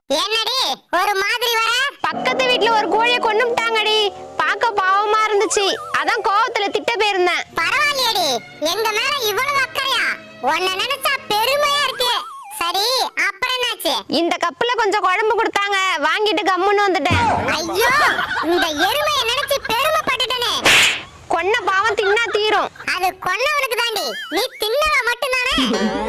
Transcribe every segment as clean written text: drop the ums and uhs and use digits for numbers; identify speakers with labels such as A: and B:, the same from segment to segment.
A: என்னடி ஒரு மாதிரி வர?
B: பக்கத்து வீட்ல ஒரு கோழியை கொன்னுட்டாங்கடி. பார்க்க பாவமா இருந்துச்சு. அதான் கோவத்துல திட்ட போயிருந்தேன்.
A: பரவாயில்லையடி, எங்க மேல இவ்வளவு அக்கறையா? உன்னை நினைச்சா பெருமையா இருக்கு. சரி, அப்புறம் என்னாச்சு?
B: இந்த கப்புல கொஞ்சம் குழம்பு கொடுத்தாங்க, வாங்கிட்டு கம்முன்னு வந்துட்டேன்.
A: ஐயோ, இந்த எருமையை நினைச்சு பெருமைப்பட்டுட்டனே.
B: கொன்ன பாவம் தின்னா தீரும்.
A: அது கொன்னவனுக்கு தாண்டி, நீ தின்னவ மட்டும்தானே.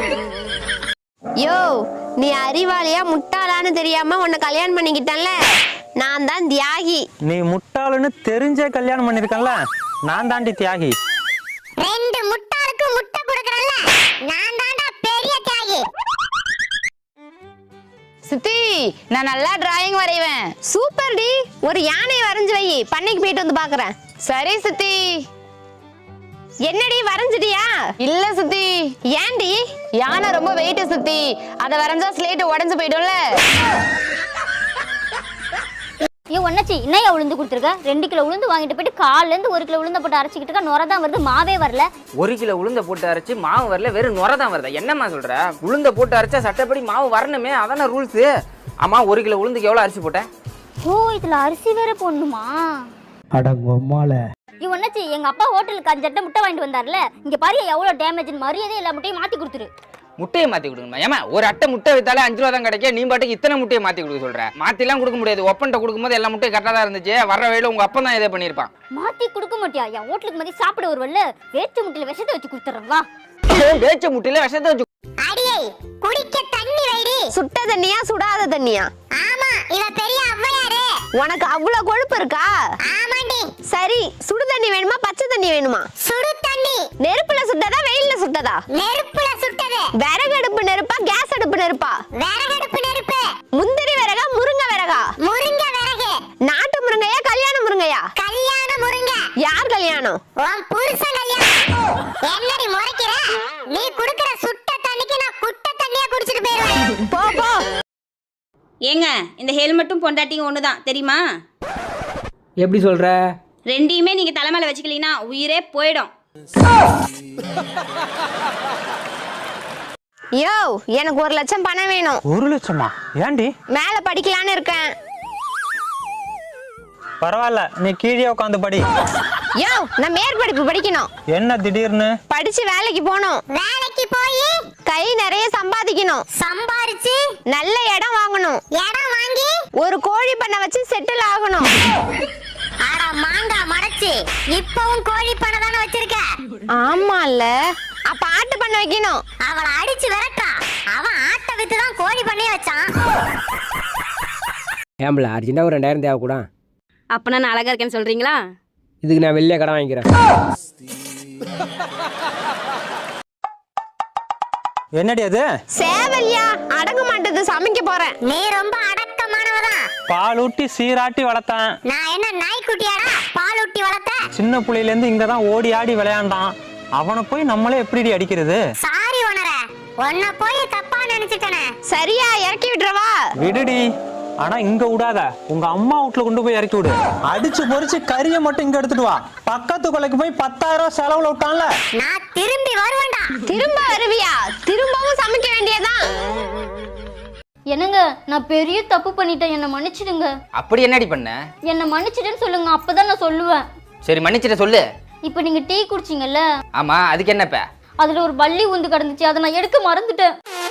B: யோ, நீ அறிவாளியா முட்டாளான்னு தெரியாம உன்னை கல்யாணம் பண்ணிக்கிட்டேன்ல, நான் தான் தியாகி.
C: நீ முட்டாளுன்னு தெரிஞ்சே கல்யாணம் பண்ணிருக்கல, நான் தாண்டி தியாகி.
A: ரெண்டு முட்டாளுக்கு முட்டை கொடுக்கறல்ல, நான் தான்டா பெரிய தியாகி.
D: சித்தி, நான் நல்லா டிராயிங் வரைவேன்.
B: சூப்பர் டி, ஒரு யானை வரைஞ்சு வை, பண்ணைக்கு போயிட்டு வந்து பாக்குறேன்.
D: சரி சித்தி.
B: என்னடி வரைஞ்சிட்டியா?
D: இல்ல சித்தி.
B: ஏன்டி?
D: யானை ரொம்ப வெயிட் சித்தி, அத வரைஞ்சா ஸ்லேட் உடைஞ்சு போயிடும்ல.
E: ஏன் ஒன்னாச்சி என்னையா உளுந்து கொடுத்துருக்க? 2 கிலோ உளுந்து வாங்கிட்டு போயிட்டு கால்ல இருந்து 1 கிலோ உளுந்த போட்டு அரைச்சிக்கிட்டு இருக்கா. நுர தான் வருது, மாவே வரல.
F: 1 கிலோ உளுந்த போட்டு அரைச்சு மாவு வரல, வெறும் நுர தான் வருதா? என்னம்மா சொல்ற? உளுந்த போட்டு அரைச்சா சட்டப்படி மாவு வரணுமே, அதான ரூல்ஸ். ஆமா, 1 கிலோ உளுந்துக்கு எவ்வளவு அரிசி போட்டேன்?
E: ஓ, இதுல அரிசி வேற போடணுமா?
C: அடங்கம்மால.
E: ஏன் ஒன்னாச்சி, எங்க அப்பா ஹோட்டலுக்கு 5 அட்டை முட்டை வாங்கிட்டு வந்தார்ல, இங்க பாரு எவ்வளவு டேமேஜ். மரியாதை எல்லா முட்டையும் மாத்தி கொடுத்துரு.
F: முட்டையை மாத்தி கொடுக்கணுமா? ஏமா, ஒரு அட்டை முட்டை வித்தாலே 5 ரூபா தான் கிடைக்கும். நீ பாட்டுக்கு இத்தனை முட்டையை மாத்தி கொடுக்க சொல்ற? மாத்திலாம் கொடுக்க முடியாது. ஒப்பன்ட்ட கொடுக்கும்போது எல்லா முட்டையும் கரெக்டா தான் இருந்துச்சு. வர்ற வழியில உங்க அப்பா தான் இதே பண்ணிருப்பான்.
E: மாத்தி கொடுக்க மாட்டியா? என் ஹோட்டலுக்கு மதி சாப்பிட வருவல்ல, வேச்சு முட்டையில விஷத்தை வச்சு கொடுத்துறேன் வா.
F: வேச்ச முட்டையில விஷத்தை வச்சு.
A: அடியே, குடிக்க தண்ணி வைடி.
B: சுட்ட தண்ணியா சுடாத தண்ணியா?
A: ஆமா, இவ பெரிய ஔவையாரு.
B: உனக்கு அவ்வளவு கொழுப்பு இருக்கா?
A: ஆமாண்டி.
B: சரி, சுடு தண்ணி வேணுமா பச்சை தண்ணி வேணுமா?
A: சுடு தண்ணி.
B: நெருப்புல சுட்டதா வெயில்ல சுட்டதா?
A: நெருப்புல சுட்டது.
B: விறகு அடுப்பு நெருப்பா கேஸ் அடுப்பு நெருப்பா?
A: விறகடுப்பு நெருப்பு.
B: முந்திரி விறகா முருங்கை விறகா?
A: முருங்க விறகு.
B: நாட்டு முருங்கையா கல்யாண முருங்கையா?
A: கல்யாண முருங்க.
B: யார் கல்யாணம்?
A: உன் புருஷன் கல்யாணம். என்னடி முறைக்கிற? நீ குடுக்குற சுட்ட தண்ணிக்கு நான் குட்ட தண்ணியா குடிச்சிட்டு போயிருவேன்.
B: போ போ.
G: ஏங்க, இந்த ஹெல்மெட்டும் பொண்டாட்டியும் ஒன்று தான் தெரியுமா?
F: எப்படி சொல்ற?
G: ரெண்டையுமே நீங்கள் தலைமையில் வச்சுக்கலீங்கன்னா உயிரே போயிடும்.
B: யோ, எனக்கு 1 லட்சம் பணம் வேணும்.
C: 1 லட்சமா? ஏண்டி?
B: மேல படிக்கலான்னு இருக்கேன்.
C: பரவாயில்ல, நீ கீழே உட்காந்து படி.
B: யோ, நான் மேற்படிப்பு படிக்கணும்.
C: என்ன திடீர்னு?
B: படிச்சு வேலைக்கு போகணும்.
A: வேலைக்கு போய்
B: கை நிறைய சம்பாதிக்கணும்.
A: சம்பாரிச்சு
B: நல்ல இடம் வாங்கணும்.
A: இடம் வாங்கி
B: ஒரு கோழி பண்ணை வச்சு செட்டில் ஆகணும்.
A: அட மாங்கா மறைச்சு, இப்பவும் கோழி பண்ண தானே வச்சிருக்க?
B: ஆமால, அப்ப ஆட்டு பண்ண வைக்கணும்.
A: அவளை அடிச்சு விரட்டா. அவன் ஆட்டை வித்து தான் கோழி பண்ணே வச்சான்.
H: ஏம்பல அர்ஜென்ட்டாக ஒரு 2000 தேவை கூட.
G: அப்போ நான் அழகாக இருக்கேன்னு சொல்கிறீங்களா?
H: இதுக்கு நான் வெளியே கடன் வாங்கிக்கிறேன்.
C: என்னடி அது?
B: சேவல்யா, அடங்க மாட்டேது, சமைக்க போறேன்.
A: நீ ரொம்ப அடக்கமானவதான்.
C: பால் ஊட்டி சீராட்டி வளர்த்தேன்.
A: நான் என்ன நாய்க்குட்டியாடா பால் ஊட்டி வளர்த்த?
C: சின்ன புள்ளையில இருந்து இங்கதான் ஓடி ஆடி விளையாண்டான். அவனை போய் நம்மளே எப்படி அடிக்கிறது?
A: சாரி ஓனர, உன்னை போய் தப்பா நினைச்சிட்டனே.
B: சரியா, இறக்கி விட்டுறவா?
C: விடுடி, ஆனா இங்க விடாத. உங்க அம்மா வீட்டுல கொண்டு போய் இறக்கி விடு. அடிச்சு பொறிச்சு கறியை மட்டும் இங்க எடுத்துட்டு வா. பக்கத்து கொலைக்கு போய் 10,000 செலவுல விட்டான்ல,
A: நான் திரும்பி வருவேன்டா.
B: திரும்ப வருவியா? திரும்பவும் சமைக்க வேண்டியதான்.
E: என்னங்க, நான் பெரிய தப்பு பண்ணிட்டேன், என்ன மன்னிச்சிடுங்க.
F: அப்படி என்னடி பண்ண?
E: என்ன மன்னிச்சிடுன்னு சொல்லுங்க, அப்பதான் நான் சொல்லுவேன்.
F: சரி, மன்னிச்சிட்ட சொல்லு.
E: இப்போ நீங்க டீ குடிச்சிங்கல்ல,
F: ஆமா, அதுக்கு என்னப்ப?
E: அதுல ஒரு பல்லி உந்து கிடந்துச்சு, அதை நான் எடுக்க மறந்துட்டேன்.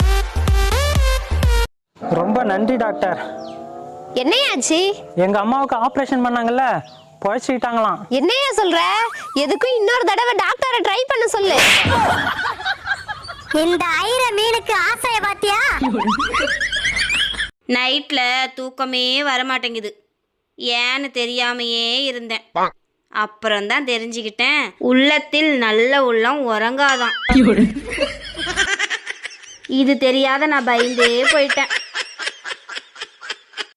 C: ரொம்ப நன்றி டாக்டர்.
B: என்னையாச்சு?
C: எங்க அம்மாவுக்கு ஆபரேஷன் பண்ணாங்கல்ல, பொழைச்சிக்கிட்டாங்களாம்.
B: என்னையா சொல்ற? எதுக்கும் இன்னொரு தடவை டாக்டரை ட்ரை பண்ண சொல்லு.
A: இந்த ஐர மீனுக்கு ஆசைய பாத்தியா?
G: நைட்டில் தூக்கமே வரமாட்டேங்குது. ஏன்னு தெரியாமையே இருந்தேன். அப்புறம்தான் தெரிஞ்சுக்கிட்டேன், உள்ளத்தில் நல்ல உள்ளம் உறங்காதான். இது தெரியாத நான் பயந்தே போயிட்டேன்.